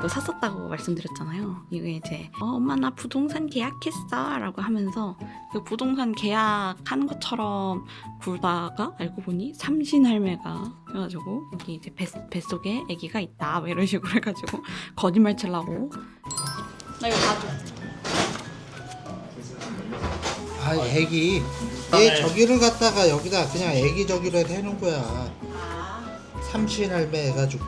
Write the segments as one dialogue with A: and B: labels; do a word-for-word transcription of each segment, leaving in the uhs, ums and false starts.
A: 이거 샀었다고 말씀드렸잖아요. 이게 이제 어, 엄마 나 부동산 계약했어 라고 하면서 그 부동산 계약한 것처럼 굴다가 알고 보니 삼신할매가 해가지고 여기 이제 뱃, 뱃속에 아기가 있다 뭐 이런 식으로 해가지고 거짓말 치려고. 나 이거 봐줘.
B: 아 애기 얘 저기를 갖다가 여기다 그냥 애기 저기로 해놓은 거야. 삼신할매 해가지고.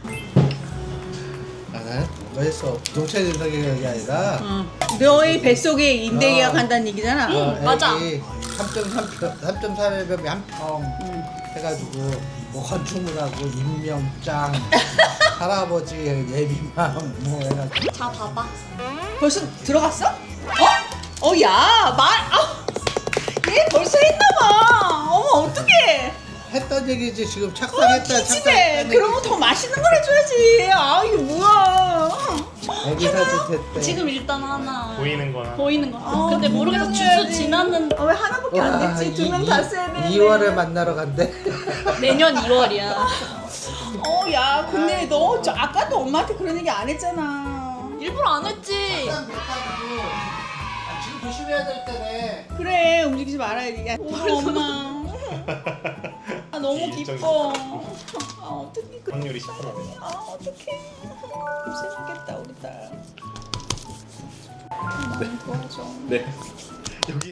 B: 아 뭐가 했어 부동산 인사 계약이 아니라
C: 어. 너의 뱃속에 임대
B: 어.
C: 계약한다는 얘기잖아.
B: 어,
A: 응, 맞아.
B: 삼 점 삼 평, 삼 점 삼 평 한평 해가지고 뭐 건축물 하고 임명장 할아버지 예비맘 뭐 해가지고.
A: 자 봐봐.
C: 벌써 들어갔어? 어? 어, 야, 말, 아, 얘 벌써 했나봐. 어머, 어떡해.
B: 했던 얘기지 지금 착상했다
C: 기집애.
B: 착상했다.
C: 그러면 더 맛있는 걸 해줘야지. 아, 이게 뭐야.
B: 애기 사진 됐대.
A: 지금 일단 하나
D: 보이는 거나
A: 보이는 거.
C: 아,
A: 근데 모르겠어.
C: 분명해야지.
A: 주주 지났는
C: 아, 왜 하나밖에 안 됐지? 두 명 다 써야 되는데.
B: 이월에 만나러 간대.
A: 내년 이월이야.
C: 어, 야, 근데 너 저, 아까도 엄마한테 그런 얘기 안 했잖아.
A: 일부러 안 했지.
B: 착상 못하고 아, 지금 조심해야 될 때네.
C: 그래, 움직이지 말아야지. 야, 엄마. 아, 너무
D: 일정이
C: 기뻐. 아, 어떡해. 그-
D: 확률이 십 퍼센트.
C: 아, 어떡해. 고생하겠다, 우리 딸.
D: 네.
C: 많이 도와줘.
D: 네.